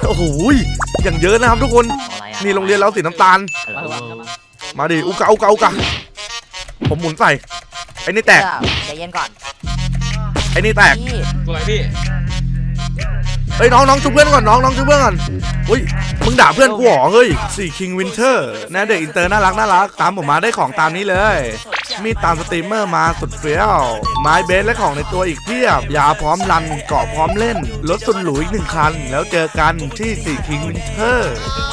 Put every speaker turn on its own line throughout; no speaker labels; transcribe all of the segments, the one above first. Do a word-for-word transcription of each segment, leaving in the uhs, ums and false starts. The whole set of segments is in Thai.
โอ้โหอย่างเยอะนะครับทุกคนนี่โรงเรียนเราสีน้ำตาลมาดิอุกะอุกะอุกะผมหมุนใส่ไอ้นี่แตก
ใจเย็นก่อน
ไอ้นี่แตก
สวยพี่
เฮ้ยน้องน้องชุบเพื่อนก่อนน้องน้องชุบเพื่อนก่อนอุ้ยมึงด่าเพื่อนกูหรอเฮ้ยสี่คิงวินเทอร์นะเด็กอินเตอร์น่ารักน่ารักตามผมมาได้ของตามนี้เลยมีตามสตรีมเมอร์มาสุดเฟี้ยวไม้เบสและของในตัวอีกเพียบยาพร้อมรันเกาะพร้อมเล่นรถสุดหรูอีกหนึ่งคันแล้วเจอกันที่สี่คิงวินเทอร์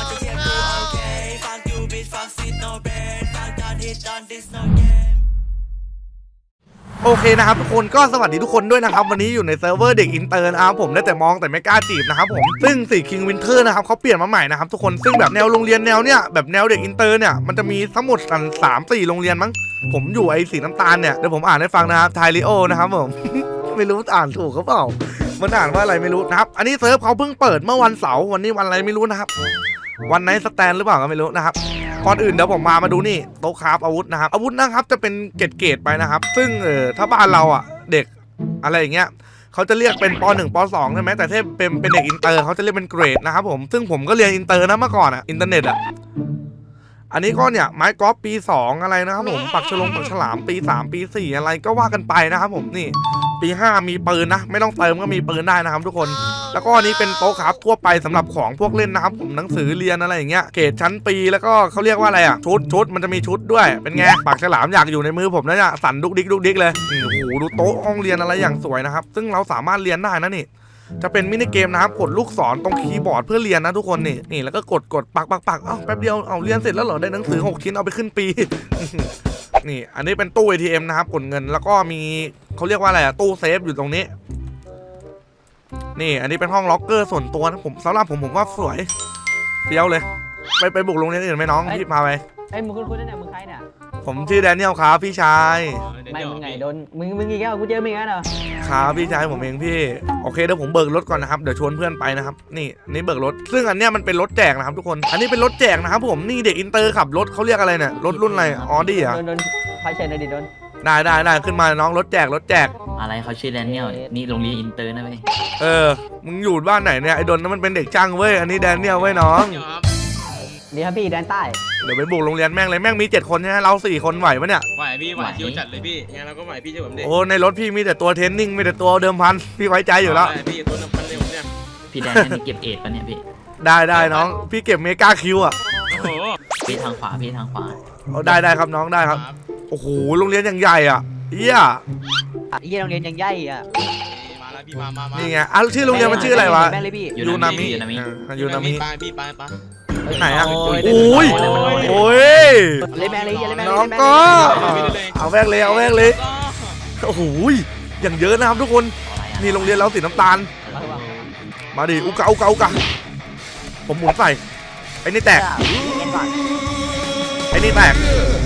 โอเคนะครับทุกคนก็สวัสดีทุกคนด้วยนะครับวันนี้อยู่ในเซิร์ฟเวอร์เด็กอินเตอร์นะครับผมได้แต่มองแต่ไม่กล้าจีบนะครับผมซึ่งสี่คิงวินเทอร์นะครับเขาเปลี่ยนมาใหม่นะครับทุกคนซึ่งแบบแนวโรงเรียนแนวเนี้ยแบบแนวเด็กอินเตอร์เนี่ยมันจะมีทั้งหมดกันสามสี่โรงเรียนมั้งผมอยู่ไอ้สีน้ำตาลเนี่ยเดี๋ยวผมอ่านให้ฟังนะครับไทลิโอนะครับผม ไม่รู้อ่านถูกเขาเปล่ามันอ่านว่าอะไรไม่รู้นะครับอันนี้เซิร์ฟเขาเพิ่งเปิดเมื่อวันเสาร์วันนี้วันอะไรไม่รู้นะครับวันไหนสแตนหรือเปล่าก็ไม่รู้นะครับก่อนอื่นเดี๋ยวผมมามาดูนี่โต๊ะคราฟอาวุธนะครับอาวุธนะครับจะเป็นเกรดๆไปนะครับซึ่งเออถ้าบ้านเราอ่ะเด็กอะไรอย่างเงี้ยเขาจะเรียกเป็นปหนึ่งปสองใช่ไหมแต่ถ้าเป็นเป็นเด็กอินเตอร์เขาจะเรียกเป็นเกรดนะครับผมซึ่งผมก็เรียนอินเตอร์นะเมื่อก่อนอ่ะอินเทอร์เน็ตอ่ะอันนี้ก็เนี่ยไม้กอล์ฟปีสองอะไรนะครับผมปักฉลงปักฉลามปีสามปีสี่อะไรก็ว่ากันไปนะครับผมนี่ปีห้ามีปืนนะไม่ต้องเติมก็มีปืนได้นะครับทุกคนแล้วก็อันนี้เป็นโต๊ะครับทั่วไปสำหรับของพวกเล่นนะครับผมหนังสือเรียนอะไรอย่างเงี้ยเกรดชั้นปีแล้วก็เขาเรียกว่าอะไรอ่ะชุดชุดมันจะมีชุดด้วยเป็นไงปากฉลามอยากอยู่ในมือผมนะเนี่ยสั่นดุกดิกดุกดิกเลยโอ้โหดูโต๊ะห้องเรียนอะไรอย่างสวยนะครับซึ่งเราสามารถเรียนได้นะนี่จะเป็นมินิเกมนะครับกดลูกศรตรงคีย์บอร์ดเพื่อเรียนนะทุกคนนี่นี่แล้วก็กดกดปักปักปักเอ้าแป๊บเดียวเอาเรียนเสร็จแล้วเหรอได้หนังสือหกชิ้นเอาไปขึ้นปี นี่อันนี้เป็นตู้ เอ ที เอ็ม นะครับกดเงินแล้วก็มีเขาเรียกว่าอะไรอะตู้เซฟอยู่ตรงนี้นี่อันนี้เป็นห้องล็อกเกอร์ส่วนตัวนะผมสำหรับผมผมว่าสวยเฟี้ยวเลยไปไปบุกโรงเรียนอื่นไหมน้องพี่พาไป
ไอ้มึงคุณคุณเนี่ยมึงใครเนี่ย
ผมชื่อแดเนียลครับพี่ชาย
ไม่มึงไงโดนมึงมึงอีกแล้วกูเจอมึงแล้วเหรอ
ครับพี่ชายผมเองพี่โอเคเดี๋ยวผมเบิกรถก่อนนะครับเดี๋ยวชวนเพื่อนไปนะครับนี่นี่เบิกรถซึ่งอันเนี้ยมันเป็นรถแจกนะครับทุกคนอันนี้เป็นรถแจกนะครับผมนี่เด็กอินเตอร์ขับรถเขาเรียกอะไรเนี่ยรถรุ่นอะไรออดี้อ่ะ
โดนโดนไฟเชนเลยดิโดน
ได้ได้ได้ขึ้นมาน้องรถแจกรถแจก
อะไรเขาชื่อแดเนียลนี่โรงเรียนอินเตอร์นะเว้ย
เออมึงอยู่บ้านไหนเนี่ยไอ้ดนนั่นมันเป็นเด็กช่างเว้ยอันนี้แดเนียลเว้ยน้อง
ดีครับพี่แดนใต้
เดี๋ยวไปบุกโรงเรียนแม่งเลยแม่งมีเจ็ดคนใช่ไหมเราสี่คนไหวปะเนี่ย
ไหวพี่ไหวชิวจัดเลยพี่งั้นเราก็ไหวพี่เชื่อผมดิ
โอ้ในรถพี่มีแต่ตัวเทรนนิ่งมีแต่ตัวเดิมพันพี่ไว้ใจอยู่แล้ว
พี่ตัวเดิมพันเลยผมเนี่ย
พี่แดนนี่เก็บเอ็ดปะเนี่ยพี่
ได้ได้น้องพี่เก็บเมกาคิวอ่ะ
โอ้โห
พี่ทางขวาพี่ทางขวา
เอาได้ได้ครับน้องได้ครับโอ้โหโรงเรียนอย่างใหญ่อ่ะเอี้ย
เอี้ยโรงเรียนยังใหญ่อ่ะ
มาแล้วพี่มามามา
นี่ไงอ่ะชื่อโรงเรียนมันชื่ออะไรวะ
ยูนามิ
ยูนามิ
ไปพี่ไปไป
ไหนอ่ะโอ้ยโอ้ยน้องก็เอาแวกเลยเอาแวกเลยโอ้โหอย่างเยอะนะครับทุกคนนี่โรงเรียนเราสีน้ำตาลมาดิอุกะอุกะอุกะผมหมุนใส่ไอ้นี่แตกไอ้นี่แตก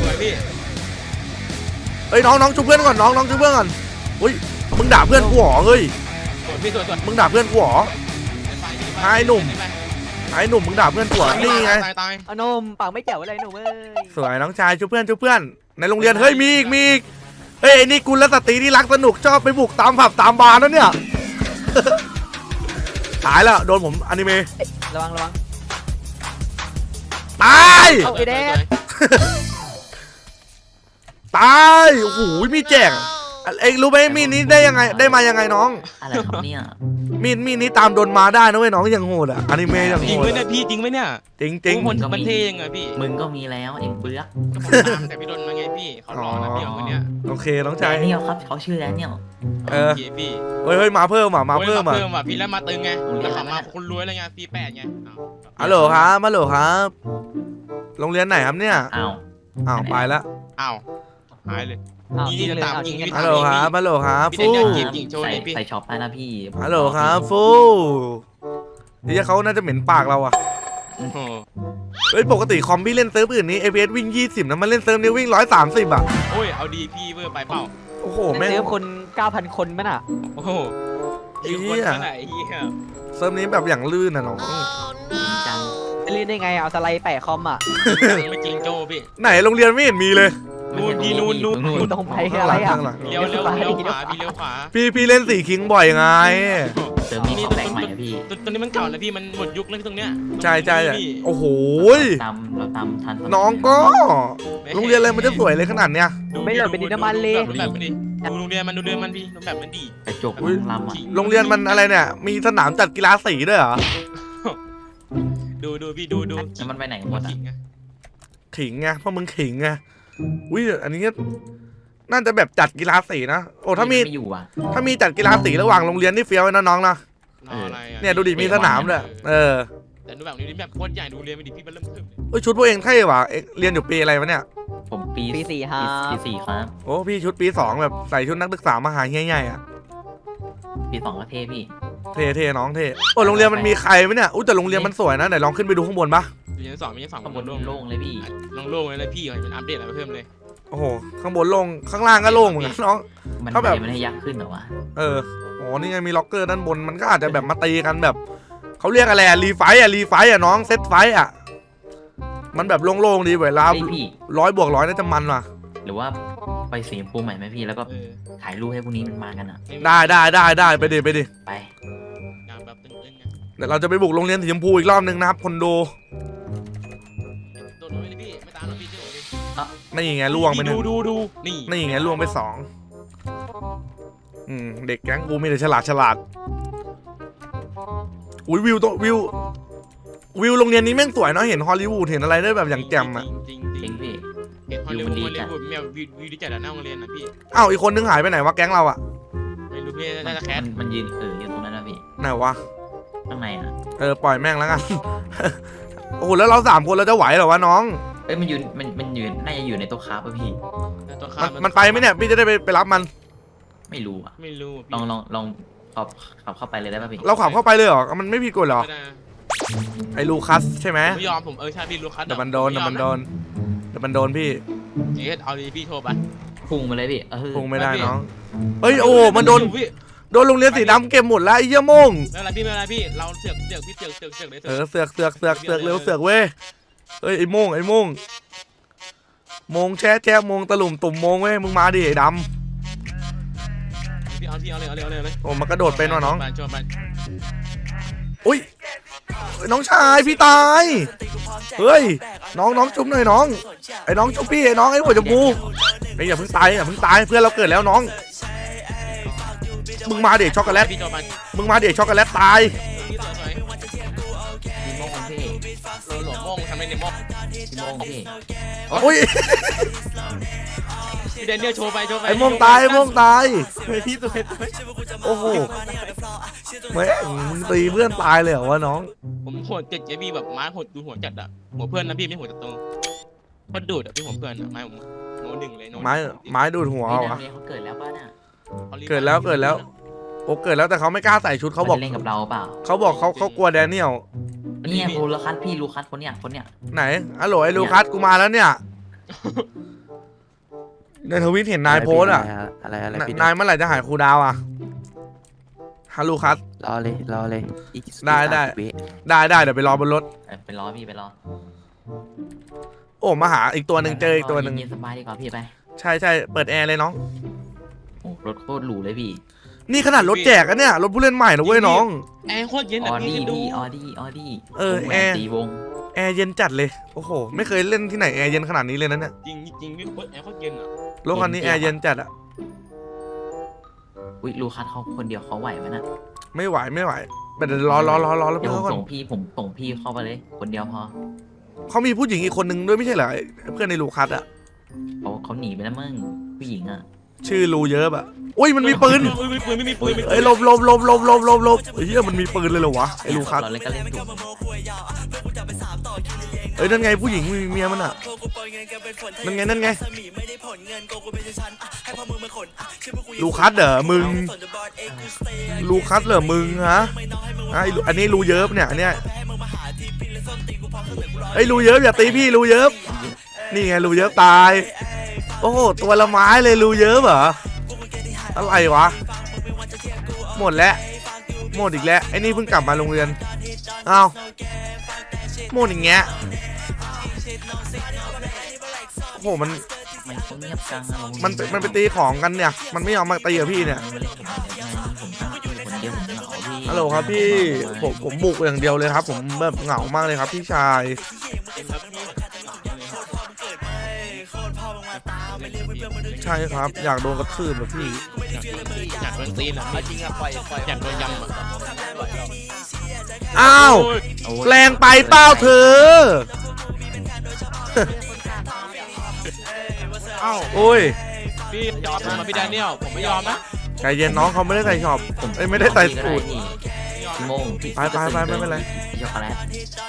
เฮ้ยน้องน้องชุบเพื่อนก่อนน้องน้องชุบเพื่อนก่อนอุ้ยมึงด่าเพื่อนกูหรอเฮ้ยมึงด่าเพื่อนกูหรอไอ้หนุ่มไอ้หนุ่มมึงด่าเพื่อนกูหรอนี่ไง
เอานมปากไม่แจ๋วอะไรหนุ่มเอ้ย
สวยน้องชายชุบเพื่อนชุบเพื่อนในโรงเรียนเฮ้ยมีอีกมีอีกเฮ้ยนี่กุลสตรีที่รักสนุกชอบไปบุกตามผับตามบาร์นั่นเนี่ยตายแล้วโดนผมอนิเมะ
ระวังระวัง
ตาย
เอาไอ้แดง
ตายโอ้โหมีแจกเอ็งรู้ไหมมีดนี้ได้ยังไงได้มายังไงน้อง
อะไรครับเนี่ย
มีดมีดนี้ตามโดนมาได้นะเว้ยน้องยังโหดอ่ะอนิเมะยังโหด
จริงไหมเนี่ยพี่จริงไหมเนี่ย
จริงจริง
มันมันเท่ยังไงพี่
มึงก็มีแล้วเอ็งเปลือก
แต่พี่โดนมาไงพี่เขาหล่อนะพี่คนเนี้ย
โอเคน้องชาย
แดเนียลครับเขาชื่อแดเนียล
เออ
พี่
เฮ้ยเฮ้ยมาเพิ่มอ่ะมาเพิ่มอ่ะ
เพิ่มอ่ะพี่แล้วมาตึงไงแล้วขับมาคนรวยอะไรเงี้ยปีแปดไง
ฮัลโหลครับฮัลโหลครับโรงเรียนไหนครับเนี่ย
อ้าว
อ้าวไปแล้ว
อ้าวหายเลย
ยิง
จะตามยิง
ฮัลโหลครับฮัลโหลครับฟู
ใส่ใส่ช็อปได้นะพี่
ฮัลโหลครับฟูนี่เขาน่าจะเหม็นปากเราอ่ะเฮ้ยปกติคอมพี่เล่นเซิร์ฟอื่นนี้ เอ พี เอส วิ่งยี่สิบนะมันเล่นเซิร์ฟนี้วิ่งหนึ่งร้อยสามสิบอ่ะ
โอ้ยเอาดีพี่เวอร์ไปเปล่า
โอ้โห
แม่งเซิร์ฟคน เก้าพัน คนมั้ยน่ะ
โอ้โหไอ้คนไหนเหี้ย
เซิร์ฟนี้แบบอย่างลื่นนะน้อง
จังจะลื่นได้ไงเอาสไลด์แปะคอมอ่ะ
ไม่จริงโจพี่
ไหนโรงเรียนไม่เห็นมีเลย
นู่นพี่นู่นนู่น
นู่น
ตรงไปอะไรอ่ะ
ข้างหลัง
เลี้ยวเลี้ยวเลี้ยวขวาพี่เลี้ยวขวา
พี่พี่เล่นสี่คิงบ่อยไง
เติมมีของแปลกใหม่อะพี่
ตัวตัวนี้มันเก่าแล้วพี่มันหมดยุคแล้วตรงเนี้ย
ใช่ใช่
พี่
โอ้โห
ตามเราตามทันสมัย
น้องก็โรงเรียนอะไรมันจะสวยเลยขนาดเนี้ย
ไม่เหลือเป็นดินน้ำมันเลย
ดูแบบมันดิดูโรงเรียนมันดูเรียนมันพี่ดูแบบมันดี
กระจก
อุ๊ย
ลำอ่ะ
โรงเรียนมันอะไรเนี่ย มีสนามจัดกีฬาสีด้วยเหรอ
ดูดูพี่ดูดู
แล้วมันไปไหนหมดอ่ะ
ขิงไง
ขิงไงเพราะมึงขิงไงอุ้ยอันนี้ก็น่าจะแบบจัดกีฬาสีนะโอ้ถ้ามี
ไม่อยู่อ่ะ
ถ้ามีจัดกีฬาสีระหว่างโรงเรียนนี่เฟี้ยวนะน้องนะ
รออะไรอ่ะ
เนี่ยดูดิมีสนามด้วยเออ
แต่ดูแบบนี้แบบโคตรใหญ่ดูเรียนไม่ดีพี่มันเริ่มขึ้น
เอ้ยชุดพวกเองเท่ว่ะเอ็งเรียนอยู่ปีอะไรวะเนี่ย
ผมปี
ปีสี่ครับ
ปีสี่ครับ
โอ้พี่ชุดปีสองแบบใส่ชุดนักศึกษามหาใหญ่ๆอ่ะ
ปีสองก็เท่พี่
เท่เท่น้องเท่โอ้โรงเรียนมันมีใครไหมเนี่ยอุ้ยแต่โรงเรียนมันสวยนะไหนลองขึ้นไปดูข้างบนปะ
เรียนสองมีสอง
ข้างบน
โล่ง
โล่งเลยพี่
ลงโล่งเลยเลยพี่มันอัปเดตอะไรเพิ่มเลย
โอ้โหข้างบนโล่งข้างล่างก็โล่งเหมือนกันน้อง
มัน
ถ้าแบบ
มันให้ยักษ์ขึ้นเหรอวะ
เอออ๋อนี่ไงมีล็อกเกอร์ด้านบนมันก็อาจจะแบบมาตีกันแบบเขาเรียกอะไรอะรีไฟต์อะรีไฟต์อะน้องเซตไฟต์อะมันแบบโล่งๆดีเวลา
เฮ้ยพี่
ร้อยบวกร้อยน่าจะมันว่ะ
หรือว่าไปสีชมพูใหม่ไหมพี่แล้วก็
เออ
ถ่ายรูปให้พวกนี้มันมากันอ่ะ
ได้ได้ได้ได้ไปดิไปดิ
ไป
งานแบบตึงๆไง
เดี๋ยวเราจะไปบุกโรงเรียนสีชมพูอีกรอบนึงนะครับคนดู
โดนเลยพี่ไม่ตามหรอกพี่เชื่อผมดิ
นี่ไงล่วงไปหนึ่
ดู
ง
ดูดูนี่
นี่ไงล่วงไปสองอืมเด็กแก๊งกูมีแต่ฉลาดฉลาดอุ้ยวิวตัววิววิวโรงเรียนนี้แม่งสวยเนาะเห็นฮอลลีวูดเห็นอะไรได้แบบอย่างแจ่มอะ
จริงจ
จ
ริ
ริ
ง
งพี่
เห็นฮอลลี
วิ
วู
ว
ด
มันดี
ฮอลลี
จัด
วูดแมววิววิวที่จัดหน้าโรงเรียนนะพี่
อ้าวอีกคนนึงหายไปไหนวะแก๊งเราอะ
ไม่รู้พี่น่าจะแค
มั
ส
นมันยืนเอออยู่ตรงนั้นนะพี่
ไหนวะ
ข้างในอ่ะ
เออปล่อยแม่งแล้วกัน โอ้โหแล้วเราสามคนเราจะไหวเหรอวะน้อง
เอ้ยมันยืนมันมันยืนน่าจะอยู่ในโต๊ะค้าป่ะพี่
ตัว
มั
ข้าน
มันไปไหมเนี่ยพี่จะได้ไปไปรับมัน
ไม่รู้อ่ะ
ไม่รู้
ลองลองลองขับขับเข้าไปเลยได้ป่ะพี่
เราขับเข้าไปเลยเหรอมันไม่ผิดกฎเหรอ
ไม่ได้
ไอ้ลูคัสใช่ไหม
ไม่ยอมผมเออใช่พี่ลูคัส
เดี๋ยวมันโดนเดี๋ยวมันโดนเดี๋ยวมันโดนพี่
เจ๊เอาดีพี่โทรไป
พุ่งไปเลยพี่เออ
คงไม่ได้น้องเฮ้ยโอ้มันโดน
พี่
โดนโรงเรียนสีดำเก็บหมดแล้วไอ้เหี้ยโมง
ไม่เป็นไรพี่ไม่เป็นไรพี่เราเสือกเสือกพี่เสือกเสือกเสือกเลย
เออเสือกเสือกเสือกเสือกเร็วเสือกเว้ยเฮ้ยไอ้โมงไอ้โมงโมงแช่แช่โมงตะลุ่มตุ่มโมงเว้ยมึงมาดิไอ้ด
พี่เอาพี่เอาเลยเอาเลยเอาเลยเอาเลย
ำโอ้มันกระโดดเป็นว่ะน้อง
โจมไป
อุ้ยน้องชายพี่ตายเฮ้ยน้องน้องจุ๊บหน่อยน้องไอ้น้องจุ๊บพี่ไอ้น้องไอ้หัวจมูกไอ้อย่าเพิ่งตายอย่าเพิ่งตายเพื่อนเราเกิดแล้วน้องมึงมาเด็กช็อกโกแลต
พี่โจมไป
มึงมาเด็กช็อกโกแลตตาย
พี่สวยสวย
พี่โมงพี่
โหลหลงโม่งทำไมในโม่ง
พี่โมงพี่
อุ้ย
พี่เดนเนียลโชว์ไปโชว์ไป
ไอ้โมงตายไอ้โมงตาย
พี่สวย
โอ้โหแม่งมึงตีเพื่อนตายเลยเหรอวะน้อง
ผมโหดเจ็ดเจพี่แบบไม้โหดดูหัวจัดอะหัวเพื่อนนะพี่ไม่หัวจัดโตก็ดูดอะพี่หัวเพื่อนอะไม้ผมโนหนึ่งเลยโน
ไม้ไม้ดูดหัว
พี่
เอา
นั
วะ
กเรียนเขาเกิดแล้วป่ะน่ะ
เกิดแล้วเกิดแล้ว โอ้เกิดแล้วแต่เขาไม่กล้าใส่ชุดเขาบอก
จะเล่นกับเราเปล่า
เขาบอกเขาเขากลัวแดเนียล
เนี่ยโลูคัสพี่ลูคัสคนเนี้ยคนเนี้ย
ไหนอะโหลไอ้ลูคัสกูมาแล้วเนี่ยในทวิตเห็นนายโพสต์อะ
อะไรอะไร
น
พี่
นายเมื่อไหร่จะหายครูดาวอะฮัลโหลคัส
รอเลยรอเลยอีก
ได้ได้
สามสิบวิ
ได้ได้เดี๋ยวไปรอบนรถ
เออไปรอพี่ไปรอ
โอ้มาหาอีกตัวหนึ่งเจออีกตัวหนึ่ง
เย็นๆสบายดีกว่าพี่ไป
ใช่ใช่เปิดแอร์เลยน้อง
โอ้รถโคตรหรูเลยพี่
นี่ขนาดรถแจกอะเนี่ยรถผู้เล่นใหม่นะเว้ยน้อง
แอร์โคตรเย็น
อ
อะ
อ
พี่
ดี้
คิดดู
พี่ออดี้ออดี้
เออ
วงแหว
แอน ร์
ตีวง
แอร์เย็นจัดเลยโอ้โหไม่เคยเล่นที่ไหนแอร์เย็นขนาดนี้เลยนะเนี่ย
จริงจริงพี่โคตรแอร์โคตรเย็นอะ
รถคันนี้แอร์เย็นจัดอะ
อุ้ยลูคัสเขาคนเดียวเขาไหวไหมนะ
ไม่ไหวไม่ไหวแต่เดี๋ยวรอรอรอรอแล้ว
เดี๋ยว
เพื่
ผ
อน
ม
ก่อน
ส่งพี่ผมส่งพี่เข้าไปเลย คนเดียวพอ
เขามีผู้หญิงอีกคนนึงด้วยไม่ใช่เหรอไอ้เพื่อนในลูคัสอะ
เขาเขาหนีไปแล้วมึงผู้หญิงอ่ะ
ชื่อลูเยอะอะอุ้ยมันมีปืน
ไม่มีปืนไม่มีปืนไม่มีปืน
เอ้ยหลบหลบหลบหลบหลบหลบหลบเฮียมันมีปืนเลยเหรอวะไอ้ลูคัส
เราเล่นก็เล่นถูก
เอ้ยนั่นไงผู้หญิงมีเมียมันอะนั่นไงนั่นไงลูคัสเหรอมึงลูคัสเหรอมึงฮะอ่ะไอ้ลูอันนี้ลูเยอะเนี่ยอันเนี้ยไอ้ยลูเยอะอย่าตีพี่ลูเยอะนี่ไงลูเยอะตายโอ้โหตัวละไม้เลยลูเยอะเหรออะไรวะหมดแล้วหมดอีกแล้วไอ้นี่เพิ่งกลับมาโรงเรียนอ้าวหมดอย่างเงี้ยโอ้โหมัน
มันเขาเงียบจังอะ
มันไปมันไปตีของกันเนี่ย มันไม่ยอมมาตีกับพี่เนี่ย
มันเล่นกับผมได้ไงผมตั้งพี่คนเดียวผมเหงาพี่
ฮัลโหลครับพี่ผมผมบุกอย่างเดียวเลยครับ ผมแบบเหงามากเลยครับพี่ชาย ใช่ครับ อยากโดนกระทืบแบบพี่
อยากโดนตีนอ่ะพี่
จริงอะปล่อยปล่อย
อยากโดนยำอ่ะ
อ้าว
โอ้ย
แรงไปเป้าเธอ
เอ้า
โอ้ย
พี่ยอมผมมาพี่แดเนียลผมไม่ยอมนะ
ใจเย็นน้องเขาไม่ได้ใส่ช็อปเอ้ยไม่ได้ใส่สูตร
พี่พี่โมงพี่
ไปไปไปไม่เป็นไร
ช็อกโกแลต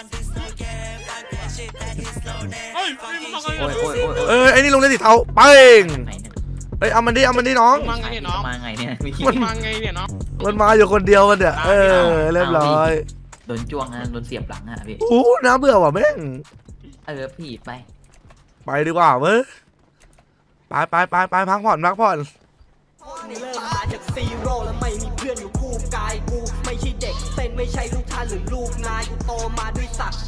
เฮ้ยพี่มึงมาไง
โอ้ยโอ้ยโอ้ย
เอ้ยไอ้นี่ลงเล่นสีเทาเป้ง
ไหนเนี่ย
เอ้ยเอามันดิเอามันดิน้อง
มาไงเนี่ยน้อง
มาไงเนี่ยพี่
มันมาไงเนี่ยน้อง
มันมาอยู่คนเดียวมันเนี่ยเออเรียบร้อย
โดนจ้วงนะโดนเสียบหลังอ่ะพี่
อู้น่าเบื่อว่ะแม่ง
เออพี่ไป
ไปดีกว่าเว้ยไปไปไปไปพักผ่อนพักผ่อน
เริ่มมาจากซีโร่แล้วไม่มีเพื่อนอยู่คู่กายกูไม่ใช่เด็กเส้นไม่ใช่ลูกท่านหรือลูกนายกูโตมาด้วยศักดิ์